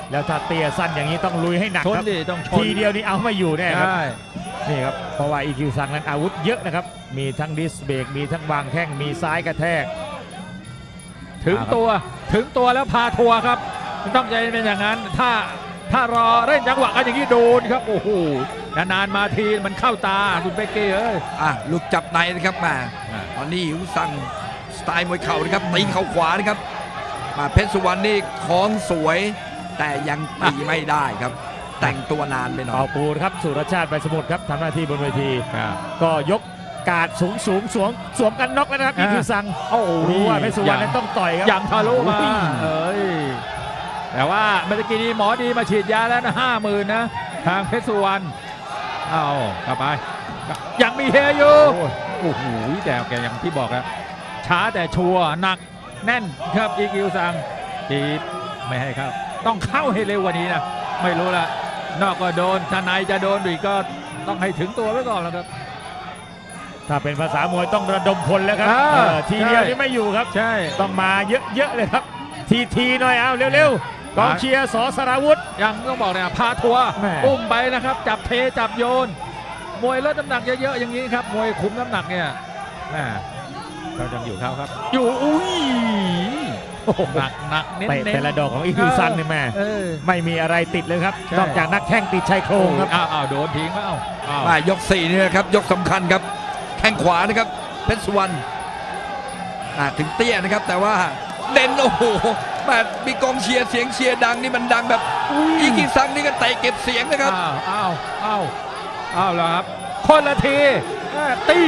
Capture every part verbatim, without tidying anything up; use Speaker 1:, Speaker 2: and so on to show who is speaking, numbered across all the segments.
Speaker 1: แล้วถ้าเตี้ยสั้นอย่างนี้ต้องลุยให้หนักครับ
Speaker 2: ต้องชน
Speaker 1: ทีเดียวนี้เอาไม่อยู่แน่ครับ
Speaker 2: ใช่
Speaker 1: นี่ครับเพราะว่า อี คิว ซังนั้นอาวุธเยอะนะครับมีทั้งดิสเบรกมีทั้งวางแข้งมีซ้ายกระแทก
Speaker 2: ถึงตัวถึงตัวแล้วพาทัวร์ครับต้องใจเป็นอย่างนั้นถ้าถ้ารอเล่นจังหวะกันอย่างนี้โดนครับโอ้โหนานๆมาทีมันเข้าตาคุณเป๊กกี้เอ้ย
Speaker 3: อ่ะลูกจับในนะครับมาตอนนี้อิวซังสไตล์มวยเข่านะครับตีเข่าขวานะครับมาเพชรสุวรรณนี่คล้องสวย แต่ยังตีไม่ได้ครับ แต่งตัวนานไปหน่อ
Speaker 1: เป่าย ปูครับสุรชาติใบสมุทรครับทำหน้าที่บนเวที
Speaker 2: ครับ
Speaker 1: ก็ยกการดสูงสูงสวมสวมกันน็อกแล้วนะครับ อี คิว ซัง
Speaker 2: โอ้โห
Speaker 1: รู้ว่าเพชรสุวรรณนั้นต้องต่อยครับ
Speaker 2: ยังทะลุมา
Speaker 1: โอ้ย
Speaker 2: เอ้ยแต่ว่าเมื่อกี้นี้หมอดีมาฉีดยาแล้วนะห้าหมื่นนะทางเพชรสุวรรณเอากลับไปยังมีเฮอยู่โอ้โหแต่แกอย่างที่บอกแล้วช้าแต่ชัวร์หนักแน่นครับอีคิวซังทีไม่ให้ครับต้องเข้าให้เร็วกว่านี้นะไม่รู้ละนอกก็โดนทนายจะโดนอีกก็ต้องให้ถึงตัวไว้ก่อนแล้วครับ
Speaker 1: ถ้าเป็นภาษามวยต้องระดมพลแล้วครับ
Speaker 2: อ่า
Speaker 1: เออทีเดียว
Speaker 2: ใช่
Speaker 1: นี่ไม่อยู่ครับ
Speaker 2: ใช่
Speaker 1: ต้องมาเยอะๆเลยครับ ทีทีหน่อยเอาเร็วๆกองเชียร์สอสราวุธ
Speaker 2: ยังต้องบอกเนี่ยพาทัวร์
Speaker 1: แม่
Speaker 2: อุ้มไปนะครับจับเทจับโยนมวยลดน้ำหนักเยอะๆอย่างนี้ครับมวยคุมน้ำหนักเนี่ยแม่เรายังอยู่เขาครับอยู่อุ้ยหนักหนักเน้น
Speaker 1: เตะ
Speaker 2: เน้น
Speaker 1: แต่ละดอกของ อี คิว ซังนี่แม่
Speaker 2: เออ
Speaker 1: ไม่มีอะไรติดเลยครับ
Speaker 2: ใช่
Speaker 1: นอกจากนักแข้งติดชายโครงครับ
Speaker 2: อ้าวอ้าวโดนทิ้งแล้วอ้าว
Speaker 3: มายกสี่นี่นะครับยกสำคัญครับแข้งขวานะครับเพชรสุวรรณอ่ะถึงเตี้ยนะครับแต่ว่าเด่นโอ้โหแบบมีกองเชียร์เสียงเชียร์ดังนี่มันดังแบบอีกิซังนี่ก็เตะเก็บเสียงนะครับ
Speaker 2: อ้าวอ้าวอ้าวอ้าวแล้วครับคนละทีแม่ตี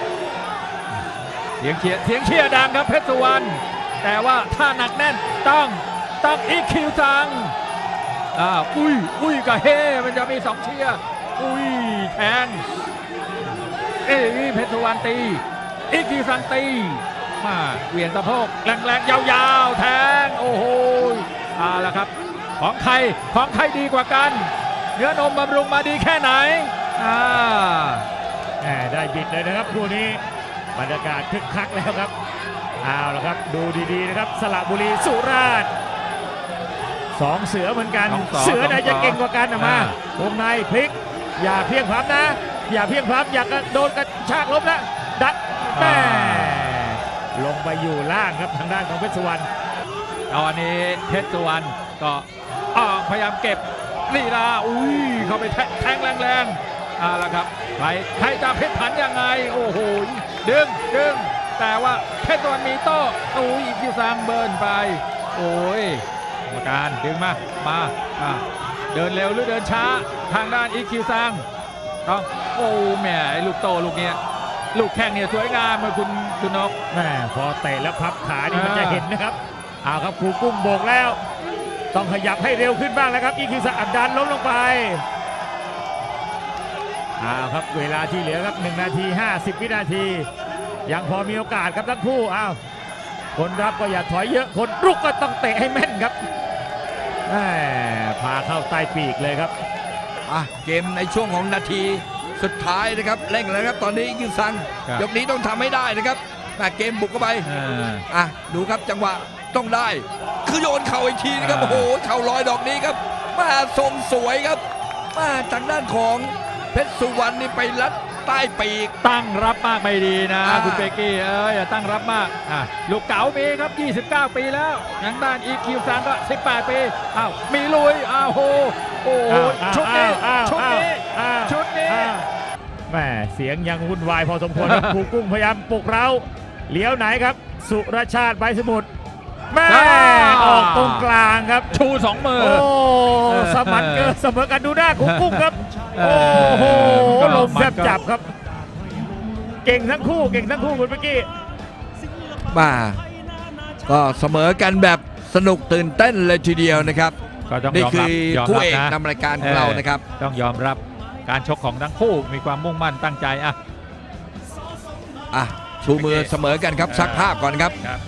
Speaker 2: เสียงเชียร์เสียงเชียร์ดังครับเพชรสุวรรณแต่ว่าถ้าหนักแน่นต้องต้องอีคิวซังอ่าอุ้ยอุ้ยกับเฮมันจะมีสองเชียร์อุ้ยแทงเอ้ยเพชรสุวรรณตีอีคิวซังตีมาเหวี่ยงสะโพกแรงๆยาวๆแทงโอ้โหเอาละครับของใครของใครดีกว่ากันเนื้อนมบำรุงมาดีแค่ไหนอ่า
Speaker 1: แหม่ได้บิดเลยนะครับคู่นี้บรรยากาศคึกคักแล้วครับเอาละครับดูดีๆนะครับสระบุรีสุราษฎร์สองเสือเหมือนกัน
Speaker 2: สองสอง
Speaker 1: เสือไหน
Speaker 2: สองสอง
Speaker 1: จะเก่งกว่ากันนะมา
Speaker 2: อ่า
Speaker 1: วงในพลิกอย่าเพียงพล้ำนะ อย่าเพียงพล้ำอย่ากระโดนกระชากล้มนะดัดแม่ลงไปอยู่ล่างครับทางด้านของเพชรสุวรรณ
Speaker 2: เอาอันนี้เพชรสุวรรณก็ออกพยายามเก็บลีลาอุ้ยเข้าไปแทงแรงๆเอาละครับใครใครจะเพชรผันยังไงโอ้โหดึงดึงแต่ว่าเพชรสุวรรณมีโต้อุ้ยอีคิวซังเบิร์นไปโอ้ยกรรมการดึงมามาอ่ะเดินเร็วหรือเดินช้าทางด้านอีคิวซังต้องโอ้แหมไอ้ลูกโตลูกเนี้ยลูกแข้งเนี่ยสวยงามเลยคุณคุณนก
Speaker 1: แม่พอเตะแล้วพับขานี่มัน
Speaker 2: อ่า
Speaker 1: จะเห็นนะครับเอาครับครูกุ้งโบกแล้ว ต้องขยับให้เร็วขึ้นบ้างแล้วครับอีคิวซังอัดดันล้มลงไปเอาครับเวลาที่เหลือครับหนึ่งนาทีห้าสิบวินาทียังพอมีโอกาสครับทั้งคู่อ้าวคนรับก็อย่าถอยเยอะคนรุกก็ต้องเตะให้แม่นครับแหม่พาเข้าใต้ปีกเลยครับ
Speaker 3: อ่ะเกมในช่วงของนาทีสุดท้ายนะครับเร่งแล้วครับตอนนี้อีกิซัง
Speaker 2: ครับ
Speaker 3: ยกนี้ต้องทำให้ได้นะครับแม่เกมบุกเข้าไป
Speaker 2: อ่า
Speaker 3: อ่ะดูครับจังหวะต้องได้ คือโยนเข่าอีกทีนะครับ
Speaker 2: อ่า
Speaker 3: โอ้โหเข่าลอยดอกนี้ครับมาทรงสวยครับมาทางด้านของเพชรสุวรรณนี่ไปลัดใต้ปีก
Speaker 2: ตั้งรับมากไม่ดีนะ
Speaker 3: อ่า
Speaker 2: คุณเปกกี้เอ้ยอย่าตั้งรับมากอ่ะลูกเก๋ามีครับยี่สิบเก้าปีแล้วทางด้านอีคิวซังก็สิบแปดปีอ้าวมีลุยอ้าวโหโอ้โห
Speaker 1: อ้าว
Speaker 2: ชุดนี้
Speaker 1: อ้าว
Speaker 2: ชุดนี้
Speaker 1: อ้าว
Speaker 2: ชุดนี้
Speaker 1: อ้าวแหม่เสียงยังวุ่นวายพอสมควรครับ ครูกุ้งพยายามปลุกเราเลี้ยวไหนครับ สุรชาติใบสมุทรแม่
Speaker 2: อ่า
Speaker 1: ออกตรงกลางครับ
Speaker 2: ชูสองมือ
Speaker 1: โอ้
Speaker 2: เออ
Speaker 1: สมันเกินเสมอกันดูหน้าครูกุ้งครับ
Speaker 2: เอ
Speaker 1: โอ้
Speaker 2: อ
Speaker 1: โห
Speaker 2: ก็
Speaker 1: ลมแทบ
Speaker 2: มันก็
Speaker 1: จับครับ เก่งทั้งคู่เก่งทั้งคู่คุณเมื่อกี้
Speaker 3: มาก็เสมอกันแบบสนุกตื่นเต้นเลยทีเดียวนะครับ
Speaker 2: ก็ต้อง
Speaker 3: นี่
Speaker 2: ยอม
Speaker 3: คื
Speaker 2: รับ
Speaker 3: อย
Speaker 2: อม
Speaker 3: คู่
Speaker 2: รับ
Speaker 3: เอก
Speaker 2: นะ
Speaker 3: นำรายการของเรานะครับ
Speaker 2: ต้องยอมรับการชกของทั้งคู่มีความมุ่งมั่นตั้งใจอ่ะ
Speaker 3: อ่ะชูมือเสมอกันครับซักภาพก่อนครับ
Speaker 2: ครับ